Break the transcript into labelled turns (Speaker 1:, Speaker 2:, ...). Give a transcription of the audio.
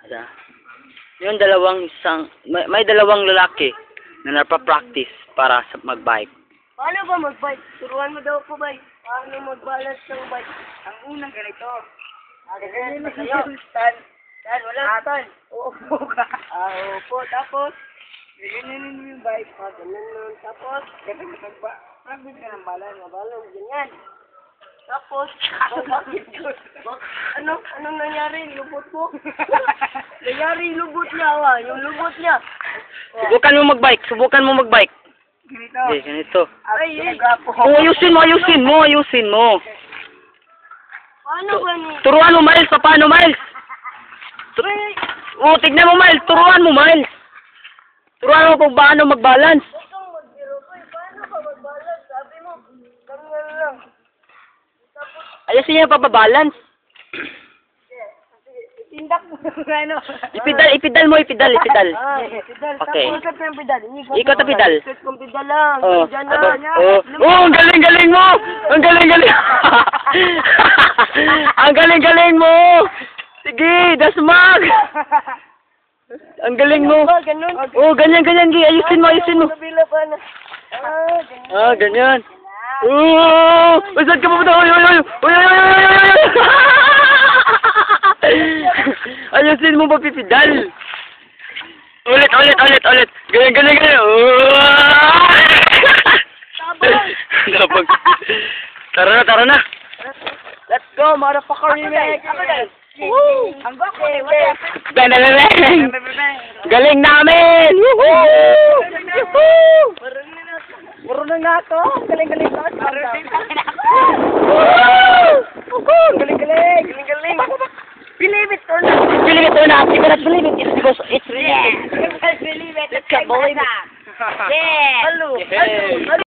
Speaker 1: Yung may dalawang lalaki na napapractice para sa mag-bike.
Speaker 2: Paano ba mag-bike? Turuan mo daw ko bike. Paano mag-balance ng bike?
Speaker 3: Ang unang ganito.
Speaker 2: Ganyan na sa'yo. Tan, wala. Tan. Uupo ka. Uupo. Tapos,
Speaker 3: Ganyanin mo yung bike.
Speaker 2: ganyan nun. Tapos,
Speaker 3: Kasi mag-practice ka ng balan.
Speaker 2: balong ganyan. Tapos, anong nangyari? Lubot mo? Nangyari yung lubot niya, yung lubot niya.
Speaker 1: Subukan mo mag-bike.
Speaker 3: Ganito.
Speaker 1: Okay, ganito.
Speaker 2: Ay,
Speaker 1: Ayusin mo.
Speaker 2: Paano ba ni?
Speaker 1: Turuan mo, Miles. Paano, Miles? Tignan mo, Miles. Turuan mo kung paano mag-balance.
Speaker 2: Itong magbiro ko, paano ka mag-balance? Sabi mo, ganyan lang.
Speaker 1: Ayusin niya papabalance.
Speaker 2: Tindak mo ano?
Speaker 1: Ipidal mo.
Speaker 2: Pedal.
Speaker 1: Okay.
Speaker 2: Tapos ikot yung pedal.
Speaker 1: Ikot ang pedal.
Speaker 2: Ikot yung pedal lang.
Speaker 1: Oh,
Speaker 2: Diyan na.
Speaker 1: ang galing mo! Ang galing mo! Sige, dasmag! Ang galing mo!
Speaker 2: Ganun.
Speaker 1: Oh, ganyan. Ayusin mo.
Speaker 2: Kabila pa na.
Speaker 1: Ganyan. Saan ka pupunta? Uy! Ayusin mo papipidal. Ulit. Ganyan. Tabag. Tara na.
Speaker 2: Let's go, motherfucker remake.
Speaker 3: Woo! Ang gwapo eh.
Speaker 1: Bang! Galing namin! Woohoo!
Speaker 2: Marunong na ako. Galing ko. Galing. Believe it or not.
Speaker 1: Believe it or not, you cannot believe it. It's because it's real.
Speaker 2: You can't believe it. Let's believe it. Yeah.
Speaker 1: Hello.